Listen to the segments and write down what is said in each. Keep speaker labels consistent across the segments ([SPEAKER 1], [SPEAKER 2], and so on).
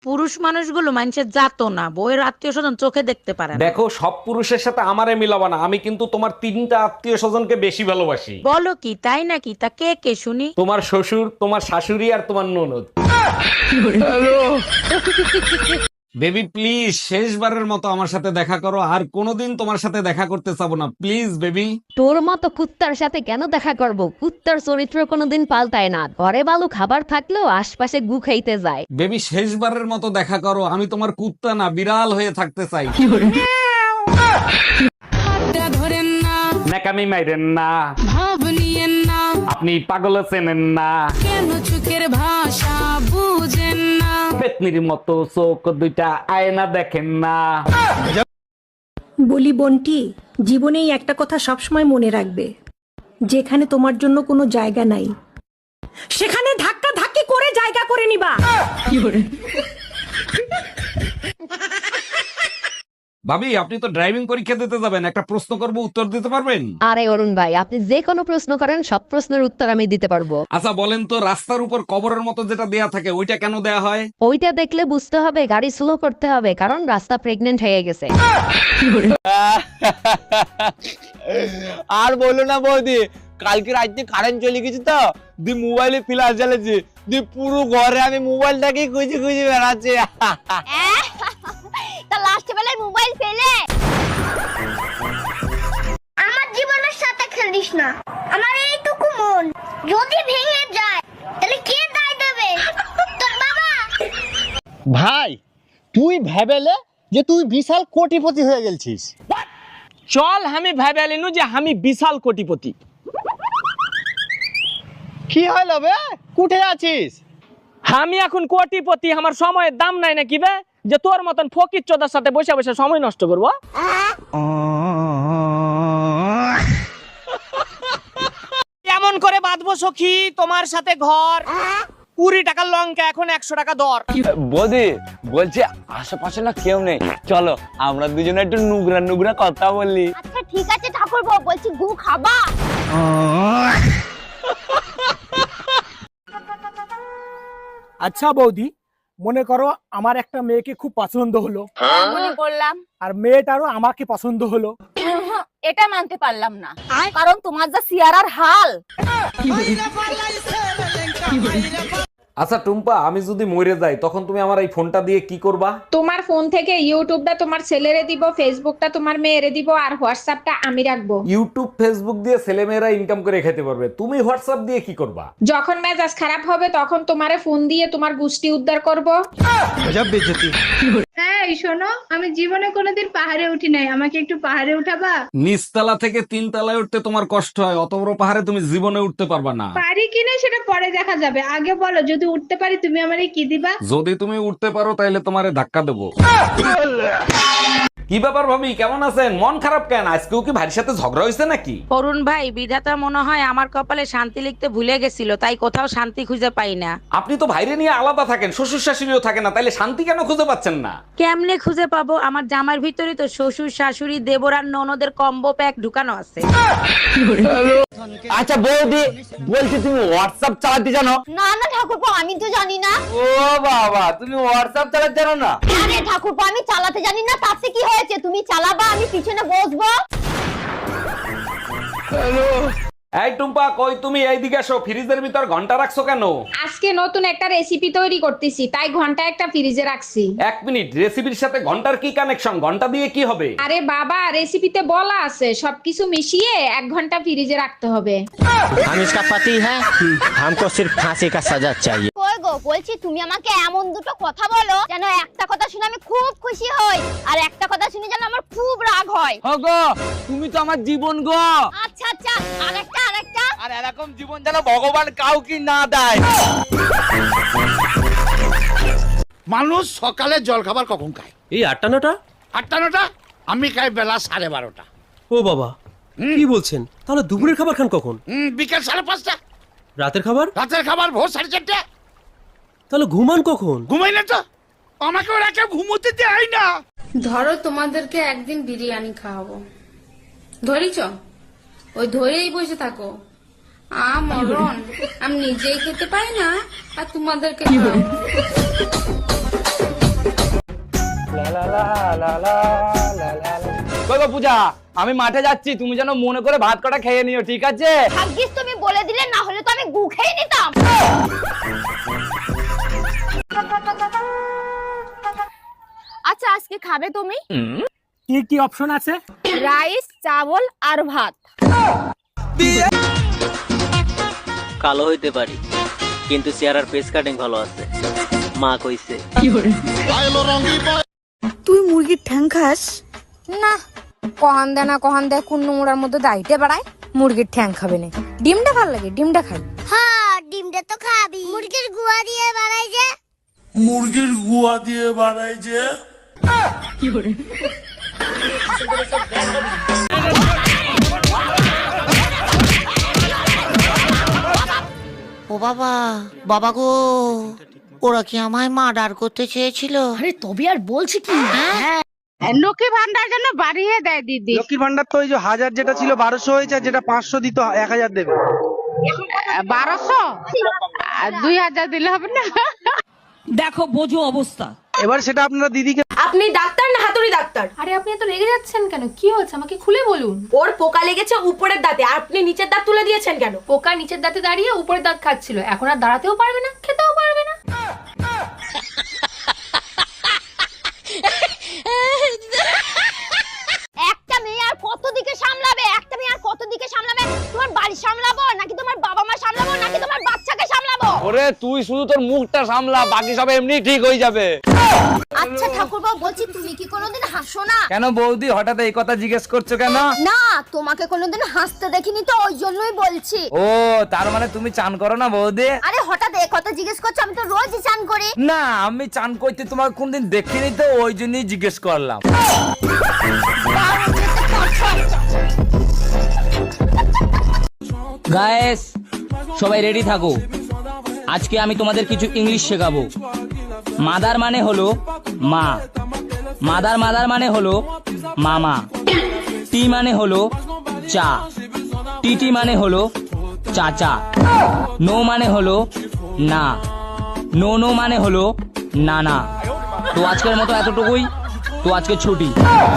[SPEAKER 1] পুরুষ মানুষগুলো মানুষের জাতো না, বউয়ের আত্মীয় স্বজন চোখে দেখতে পারে না।
[SPEAKER 2] দেখো, সব পুরুষের সাথে আমারে মিলাবা না। আমি কিন্তু তোমার 3টা আত্মীয় স্বজনকে বেশি ভালোবাসি।
[SPEAKER 1] বলো কি, তাই নাকি? তা কে কে শুনি।
[SPEAKER 2] তোমার শ্বশুর, তোমার শাশুড়ি আর তোমার ননদ। বেবি প্লিজ, শেষবারের মতো আমার সাথে দেখা করো। আর কোনোদিন তোমার সাথে দেখা করতে চাবো না, প্লিজ বেবি।
[SPEAKER 3] তোর মতো কুত্তার সাথে কেন দেখা করব? কুত্তার চরিত্র কোনোদিন পাল্টায় না। ঘরে ভালো খাবার থাকলেও আশপাশে গু খাইতে যায়।
[SPEAKER 2] বেবি শেষবারের মতো দেখা করো। আমি তোমার কুত্তা না, বিড়াল হয়ে থাকতে চাই। নাকামি মাইরেন না, আপনি পাগল চেনেন না, পেতনির মতো চোখ দুইটা আয়না দেখেন না।
[SPEAKER 4] বলি বোনটি, জীবনেই একটা কথা সবসময় মনে রাখবে, যেখানে তোমার জন্য কোনো জায়গা নাই সেখানে ধাক্কা ধাক্কি করে জায়গা করে নিবা।
[SPEAKER 2] ভাবি, আপনি তো ড্রাইভিং পরীক্ষা দিতে যাবেন, একটা প্রশ্ন করব, উত্তর দিতে পারবেন?
[SPEAKER 3] আরে অরুণ ভাই, আপনি যে কোনো প্রশ্ন করেন, সব প্রশ্নের উত্তর আমি দিতে পারবো।
[SPEAKER 2] আচ্ছা বলেন তো, রাস্তার উপর কবরের মতো যেটা দেয়া থাকে ওইটা কেন দেয়া হয়?
[SPEAKER 3] ওইটা দেখলে বুঝতে হবে গাড়ি স্লো করতে হবে, কারণ রাস্তা প্রেগনেন্ট হয়ে গেছে।
[SPEAKER 5] আর বলো না বৌদি, কালকে রাতে কারেন্ট চলে গেছে তো, দি মোবাইলে ফ্ল্যাশ জ্বালেছে, দি পুরো ঘরে আমি মোবাইলটাকে খুঁজে খুঁজে বেড়াচ্ছি।
[SPEAKER 6] তা লাস্ট বেলায় মোবাইল ফেলে আমার জীবনের সাথে খেলিস না। আমার এইটুকু মন যদি ভেঙে যায় তাহলে কে দায় দেবে? তোর বাবা।
[SPEAKER 5] ভাই, তুই ভেবেলে যে তুই বিশাল কোটিপতি হয়ে গেছিস। চল আমি ভেবেলিনু যে আমি বিশাল কোটিপতি। কি হলো বে, কুঠে আছিস? আমি এখন কোটিপতি, আমার সময়ের দাম নাই নাকি বে, যে তোর মতন ফকির চোদার সাথে বসে বসে সময় নষ্ট করবো। এমন করে বাঁধবো সখী তোমার সাথে ঘর, 20 টাকার লঙ্কা এখন 100 টাকা দর। বৌদি বলছে আশেপাশে না কেউ নেই, চলো আমরা দুজনে একটু নুগরা নুগরা কথা বললি।
[SPEAKER 6] আচ্ছা ঠিক আছে ঠাকুরপো, বলছি গু খাবা?
[SPEAKER 7] আচ্ছা বৌদি, মনে করো আমার একটা মেয়েকে খুব পছন্দ হলো,
[SPEAKER 6] মনে করলাম
[SPEAKER 7] আর মেয়েটারও আমাকে পছন্দ হলো।
[SPEAKER 6] এটা মানতে পারলাম না, কারণ তোমার যা সিয়ারার হাল।
[SPEAKER 2] আচ্ছা টুম্পা, আমি যদি মরে যাই তখন তুমি আমার এই ফোনটা দিয়ে কি করবা?
[SPEAKER 8] তোমার ফোন থেকে ইউটিউবটা তোমার ছেলেরে দিব, ফেসবুকটা তোমার মেয়েরে দিব, আর হোয়াটসঅ্যাপটা আমি রাখবো।
[SPEAKER 2] ইউটিউব ফেসবুক দিয়ে ছেলেমেয়েরা ইনকাম করে খেতে পারবে, তুমি হোয়াটসঅ্যাপ দিয়ে কি করবা?
[SPEAKER 8] যখন মেজাজ খারাপ হবে তখন তোমারে ফোন দিয়ে তোমার গুষ্টি উদ্ধার করব।
[SPEAKER 9] হ্যাঁ শোনো, আমি জীবনে কোনোদিন পাহাড়ে উঠি নাই, আমাকে একটু পাহাড়ে উঠাবা?
[SPEAKER 2] নিচতলা থেকে 3 তলায় উঠতে তোমার কষ্ট হয়, অত বড় পাহাড়ে তুমি জীবনে উঠতে পারবা না।
[SPEAKER 9] পারি কিনা সেটা পরে দেখা যাবে, আগে বলো যদি উঠতে পারি তুমি আমারে কি দিবা?
[SPEAKER 2] যদি তুমি উঠতে পারো তাহলে তোমারে ধাক্কা দেবো। কি ব্যাপার ভাবি, কেমন আছেন? মন খারাপ কেন? আজকেও কি ভাইয়ের সাথে ঝগড়া হয়েছে নাকি?
[SPEAKER 1] অরুণ ভাই, বিধাতা মনে হয় আমার কপালে শান্তি লিখতে ভুলে গেছিল, তাই কোথাও শান্তি খুঁজে পাই না।
[SPEAKER 2] আপনি তো ভাইরে নিয়ে আলাদা থাকেন, শ্বশুর শাশুড়িও থাকে না, তাইলে শান্তি কেন খুঁজে পাচ্ছেন না?
[SPEAKER 1] কেমনে খুঁজে পাবো? আমার জামার ভিতরে তো শ্বশুর শাশুড়ি দেবর আর ননদের কম্বো প্যাক ঢুকানো আছে।
[SPEAKER 5] আচ্ছা বৌদি, বলছি তুমি হোয়াটসঅ্যাপ চালাতে জানো?
[SPEAKER 6] না না ঠাকুরপো, আমি তো জানি না।
[SPEAKER 5] ও বাবা, তুমি হোয়াটসঅ্যাপ চালাতে জানো না?
[SPEAKER 6] আরে ঠাকুরপো, আমি চালাতে জানি না, তাতে কি হয়েছে? তুমি চালাবা, আমি পিছনে বসবো।
[SPEAKER 2] এই টুম্পা, কই তুমি? এইদিকে আসো। ফ্রিজের ভিতর ঘন্টা রাখছো কেন?
[SPEAKER 8] আজকে নতুন একটা রেসিপি তৈরি করতেছি, তাই ঘন্টা একটা ফ্রিজে রাখছি।
[SPEAKER 2] 1 মিনিট, রেসিপির সাথে ঘন্টার কি কানেকশন? ঘন্টা দিয়ে কি হবে?
[SPEAKER 8] আরে বাবা, রেসিপিতে বলা আছে সবকিছু মিশিয়ে 1 ঘন্টা ফ্রিজে রাখতে হবে।
[SPEAKER 5] हम इसका पति है, हमको सिर्फ फांसी का सजा चाहिए।
[SPEAKER 6] কই গো, বলছি তুমি আমাকে এমন দুটো কথা বলো যেন একটা কথা শুনে আমি খুব খুশি হই, আর একটা কথা শুনে যেন আমার খুব রাগ হয়।
[SPEAKER 5] গো, তুমি তো আমার জীবন গো।
[SPEAKER 6] আচ্ছা আচ্ছা, আরেকটা আরেকটা।
[SPEAKER 5] আর এরকম জীবন যেন ভগবান কাউকে না দেয়।
[SPEAKER 10] মানুষ সকালে জল খাবার কখন খায়?
[SPEAKER 7] এই 8টা 9টা।
[SPEAKER 10] 8টা 9টা? আমি খাই বেলা 12:30টা।
[SPEAKER 7] ও বাবা, কি বলছেন? তাহলে দুপুরের খাবার খান কখন?
[SPEAKER 10] বিকেল 5:30টা।
[SPEAKER 7] রাতের খাবার?
[SPEAKER 10] রাতের খাবার ভোর 4:30টা।
[SPEAKER 7] তাহলে ঘুমান কখন?
[SPEAKER 10] ঘুমাই না তো, আমাকে ওরা কেউ ঘুমোতে দেয় না।
[SPEAKER 9] ধরো তোমাদেরকে একদিন বিরিয়ানি খাওয়াবো, ধরিছ? ওই ধরেই বসে থাকো। মরণ, আমি নিজেই খেতে পাই না আর তোমাদেরকে খাওয়াবো।
[SPEAKER 5] কই গো পূজা, আমি মাঠে যাচ্ছি, তুমি যেন মনে করে ভাত কটা খেয়ে নিও, ঠিক আছে?
[SPEAKER 6] ভাগ্যিস তুমি বলে দিলে, না হলে তো আমি গু খেয়ে নিতাম। আচ্ছা আজকে খাবে তুমি?
[SPEAKER 7] কি কি অপশন আছে?
[SPEAKER 6] রাইস, চাবল আর ভাত।
[SPEAKER 5] কালো হইতে পারি, কিন্তু চেহারার ফেস কাটিং ভালো আছে, মা কইছে।
[SPEAKER 1] তুই মুরগির ঠ্যাং খাস?
[SPEAKER 8] না, কহান দেয় না কহান দেয়, কোন নোংরার মধ্যে দাইতে বাড়ায়। মুরগির ঠ্যাং খাবে না, ডিমটা ভালো লাগে, ডিমটা খাই।
[SPEAKER 6] হ্যাঁ ডিমটা তো খাবি। মুরগির গুয়া দিয়ে বানাই যে।
[SPEAKER 1] ও বাবা, বাবা গো, ওরা কি আমায় মার্ডার করতে চেয়েছিল?
[SPEAKER 8] আরে তবে আর বলছি কি,
[SPEAKER 9] লক্ষ্মী ভান্ডার জন্য বাড়িয়ে দেয় দিদি।
[SPEAKER 5] লক্ষ্মীর ভান্ডার তো ওই যে 1000 যেটা ছিল 1200 হয়েছে, যেটা 500 দিত 1000 দেবে।
[SPEAKER 9] 1200 আর 2000 দিলে হবে না?
[SPEAKER 1] দেখো বোঝো অবস্থা।
[SPEAKER 5] এবার সেটা আপনারা দিদিকে।
[SPEAKER 8] আপনি ডাক্তার না হাতুড়ি ডাক্তার? আরে আপনি এত রেগে যাচ্ছেন কেন? কি হয়েছে আমাকে খুলে বলুন। ওর পোকা লেগেছে উপরের দাঁতে, আর আপনি নিচের দাঁত তুলে দিয়েছেন কেন? পোকা নিচের দাঁতে দাঁড়িয়ে উপরের দাঁত খাচ্ছিল, এখন আর দাঁড়াতেও পারবে না, খেতেও পারবে না।
[SPEAKER 6] একটা মেয়ে আর কত দিকে সামলাবে? একটা মেয়ে আর কত দিকে সামলাবে? তোমার বাড়ি সামলাবো নাকি তোমার বাবা মা সামলাবো নাকি তোমার বাচ্চাকে সামলাবো?
[SPEAKER 5] ওরে তুই শুধু তোর মুখটা সামলা, বাকি সব এমনি ঠিক হয়ে যাবে।
[SPEAKER 6] আচ্ছা ঠাকুরবাবু, বলছি তুমি কি কোনোদিন হাসো না?
[SPEAKER 5] কেন বৌদি হঠাৎ এই কথা জিজ্ঞেস করছো কেন?
[SPEAKER 6] না, তোমাকে কোনোদিন হাসতে দেখিনি তো, ওই জন্যই বলছি।
[SPEAKER 5] ও তার মানে তুমি চান করো না বৌদি?
[SPEAKER 6] আরে হঠাৎ এই কথা জিজ্ঞেস করছো? আমি তো রোজই চান করি।
[SPEAKER 5] না, আমি চান করতে তোমার কোনদিন দেখিনি তো, ওই জন্যই জিজ্ঞেস করলাম।
[SPEAKER 11] গাইস সবাই রেডি থাকো, আজকে আমি তোমাদের কিছু ইংলিশ শেখাবো। মাদার মানে হলো মা, মাদার মাদার মানে হলো মামা, টি মানে হলো চা, টিটি মানে হলো চাচা, নো মানে হলো না, নো নো মানে হলো নানা। তো আজকের মতো এতটুকুই, তো আজকে ছুটি।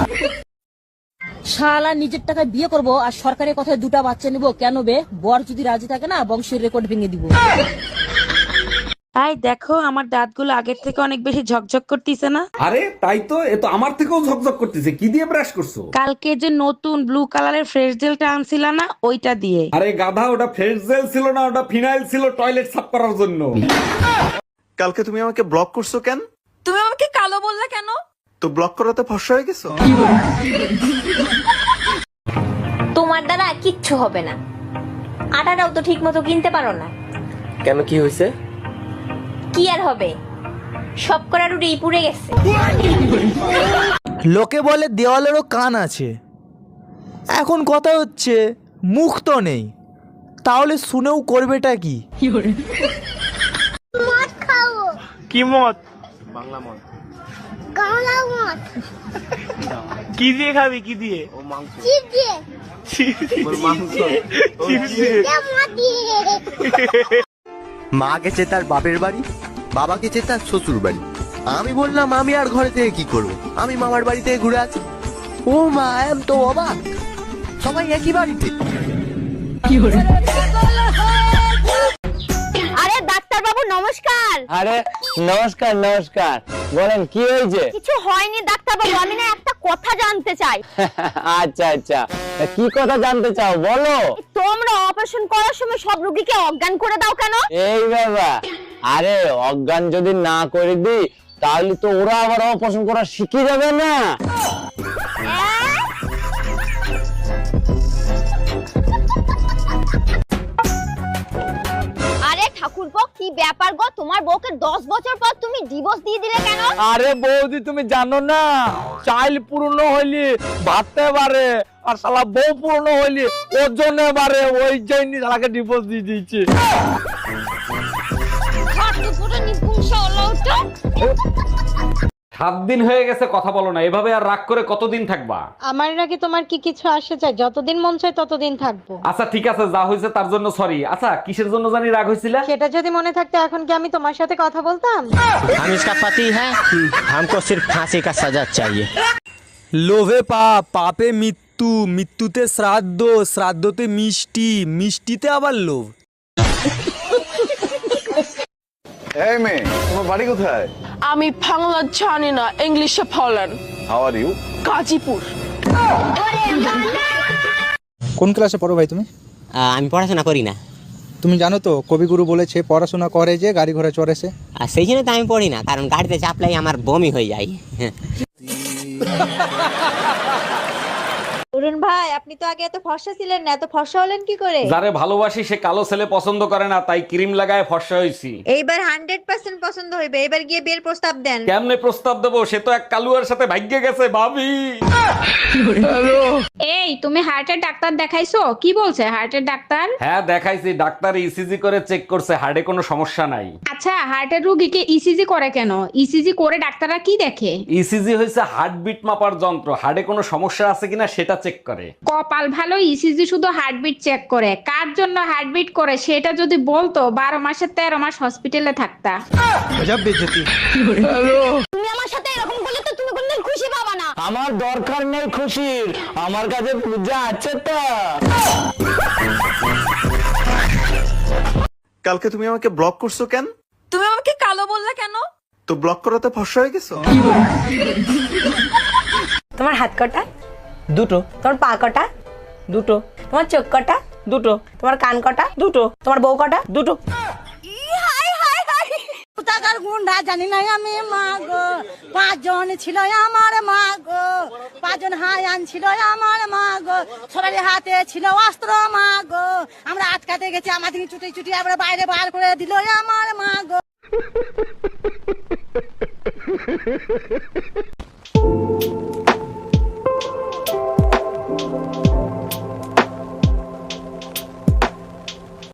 [SPEAKER 1] শালা নিজের টাকায় বিয়ে করব আর সরকারের কথায় দুটা বাচ্চা নিব কেন বে? বর যদি রাজি থাকে না, বংশের রেকর্ড ভেঙে দিব। তাই দেখো আমার দাঁতগুলো আগের থেকে অনেক বেশি ঝকঝক করতেছে না?
[SPEAKER 2] আরে তাই তো, এ তো আমার থেকেও ঝকঝক করতেছে। কি দিয়ে ব্রাশ করছো?
[SPEAKER 1] কালকে যে নতুন ব্লু কালারের ফ্রেশ জেলটা আনছিলা না, ওইটা দিয়ে।
[SPEAKER 2] আরে গাধা, ওটা ফ্রেশ জেল ছিল না, ওটা ফিনাইল ছিল টয়লেট সাফ করার জন্য।
[SPEAKER 10] কালকে তুমি আমাকে ব্লক করছো কেন?
[SPEAKER 8] তুমি আমাকে কালো বললে কেন?
[SPEAKER 10] তো ব্লক করাতে ফর্সা হয়ে গেছো?
[SPEAKER 6] তোমার দ্বারা কিচ্ছু হবে না, আটাটাও তো ঠিক মতো কিনতে পারো না।
[SPEAKER 5] কেন, কি হয়েছে?
[SPEAKER 6] কি আর হবে, সব করার উড়েই পুড়ে গেছে।
[SPEAKER 5] লোকে বলে দেওয়ালেরও কান আছে, এখন কথা হচ্ছে মুখ তো নেই, তাহলে শুনেও করবেটা কি?
[SPEAKER 6] মদ খাও।
[SPEAKER 7] কি মত?
[SPEAKER 6] গাওলা মদ।
[SPEAKER 7] কি দিয়ে খাবি? কি দিয়ে?
[SPEAKER 6] চিপ দিয়ে। মদ দিয়ে।
[SPEAKER 10] মা গেছে তার বাপের বাড়ি, বাবা গেছে তার শ্বশুর বাড়ি। আমি বললাম আমি আর ঘরে থেকে কি করব, আমি মামার বাড়ি থেকে ঘুরে আছি। ও মা, এম তো অবাক, সবাই একই বাড়িতে।
[SPEAKER 6] আরে ডাক্তার বাবু নমস্কার।
[SPEAKER 5] আরে নমস্কার নমস্কার, বলেন কি হয়েছে?
[SPEAKER 6] কিছু হয়নি ডাক্তার বাবু, আমি না একটা কথা জানতে চাই।
[SPEAKER 5] আচ্ছা আচ্ছা, কি কথা জানতে চাও বলো।
[SPEAKER 6] তোমরা অপারেশন করার সময় সব রোগীকে অজ্ঞান করে দাও কেন?
[SPEAKER 5] এই বাবা, আরে অজ্ঞান যদি না করে দিই তাহলে তো ওরা আবার অপারেশন করা শিখে যাবে না।
[SPEAKER 6] আরে ঠাকুরপো, কি ব্যাপার গো? তোমার বউকে 10 বছর পর তুমি ডিভোর্স দিয়ে দিলে কেন?
[SPEAKER 5] আরে বৌদি তুমি জানো না, চাইল পূর্ণ হইলে ভাবতে পারে, আর শালা বউ পূর্ণ হইলে ওজনে পারে, ওই জন্য শালাকে ডিভোর্স দিয়ে দিয়েছে।
[SPEAKER 6] পুরো নিপুংস হলো তো।
[SPEAKER 2] 7 দিন হয়ে গেছে কথা বলো না, এভাবে আর রাগ করে কতদিন থাকবা?
[SPEAKER 1] আমার আগে তোমার কি কিছু আসে চাই? যতদিন মন চায় ততদিন থাকবো।
[SPEAKER 2] আচ্ছা ঠিক আছে, যা হয়েছে তার জন্য সরি। আচ্ছা কিসের জন্য জানি রাগ হয়েছিল?
[SPEAKER 1] সেটা যদি মনে থাকতো এখন কি আমি তোমার সাথে কথা বলতাম?
[SPEAKER 11] हम इसका पति है हमको सिर्फ फांसी का सजा चाहिए।
[SPEAKER 7] লোভে পাপ, পাপে মৃত্যু, মৃত্যুতে শ্রাদ্ধ, শ্রাদ্ধতে মিষ্টি, মিষ্টিতে আবার লোভ।
[SPEAKER 10] এই মেয়ে, তোমার বাড়ি কোথায়?
[SPEAKER 8] আমি বাংলা জানি না, ইংলিশে বলেন।
[SPEAKER 10] How are you?
[SPEAKER 8] গাজীপুর।
[SPEAKER 7] কোন ক্লাসে পড়ো ভাই তুমি?
[SPEAKER 11] আমি পড়াশোনা করি না।
[SPEAKER 7] তুমি জানো তো কবিগুরু বলেছে পড়াশোনা করে যে গাড়ি ঘোড়া চড়েছে।
[SPEAKER 11] আর সেই জন্য তো আমি পড়ি না, কারণ গাড়িতে চাপলাই আমার বমি হয়ে যায়।
[SPEAKER 1] অরুণ ভাই, আপনি তো আগে এত ফর্সা ছিলেন না, এত ফর্সা হলেন কি করে?
[SPEAKER 2] যারে ভালোবাসি সে কালো ছেলে পছন্দ করে না, তাই ক্রিম লাগায় ফর্সা হইছি।
[SPEAKER 1] এইবার 100% পছন্দ হইবে। এবার গিয়ে বিয়ের প্রস্তাব দেন।
[SPEAKER 2] কেমনে প্রস্তাব দেবো? সে তো এক কালুয়ার সাথে ভাগ্যে গেছে ভাবি।
[SPEAKER 9] এই তুমি হার্টের ডাক্তার দেখাইছো? কি বলছে হার্টের ডাক্তার?
[SPEAKER 2] হ্যাঁ দেখাইছি, ডাক্তার ইসিজি করে চেক করছে, হার্টে কোনো সমস্যা নাই।
[SPEAKER 9] আচ্ছা, হার্টের রোগীকে ইসিজি করে কেন? ইসিজি করে ডাক্তাররা কি দেখে?
[SPEAKER 2] ইসিজি হয়েছে হার্টবিট মাপার যন্ত্র, হার্টে কোনো সমস্যা আছে কিনা সেটা চেক করে।
[SPEAKER 9] কপাল ভালো, ইসিজি শুধু হার্টবিট চেক করে। কার জন্য হার্টবিট করে সেটা যদি বলতো 12 মাসে 13 মাস হসপিটালে থাকতা।
[SPEAKER 6] তুমি আমার সাথে এরকম করলে তো তুমি কোনদিন খুশি পাবা না।
[SPEAKER 5] আমার দরকার নেই খুশির, আমার কাছে পূজা আছে তো।
[SPEAKER 10] কালকে তুমি আমাকে ব্লক করছো কেন?
[SPEAKER 8] তুমি আমাকে কালো বললে কেন?
[SPEAKER 10] তো ব্লক করাতে ফর্সা হয়ে গেছো?
[SPEAKER 8] তোমার হাত কটা?
[SPEAKER 11] দুটো।
[SPEAKER 8] তোমার পা কটা?
[SPEAKER 11] দুটো।
[SPEAKER 8] তোমার চোখ কটা?
[SPEAKER 11] দুটো।
[SPEAKER 8] তোমার কান কটা?
[SPEAKER 11] দুটো।
[SPEAKER 8] তোমার বউ কটা?
[SPEAKER 11] দুটো।
[SPEAKER 1] টাকার গুন্ডা জানি না আমি, মা গো। 5 জন ছিল আমার মা গো, 5 জন হায়ান ছিল আমার মা গো, সবার হাতে ছিল অস্ত্র মা গো। আমরা আটকাতে গেছি, আমাদের চুটি চুটি আমরা বাইরে বার করে দিল আমার মা গো।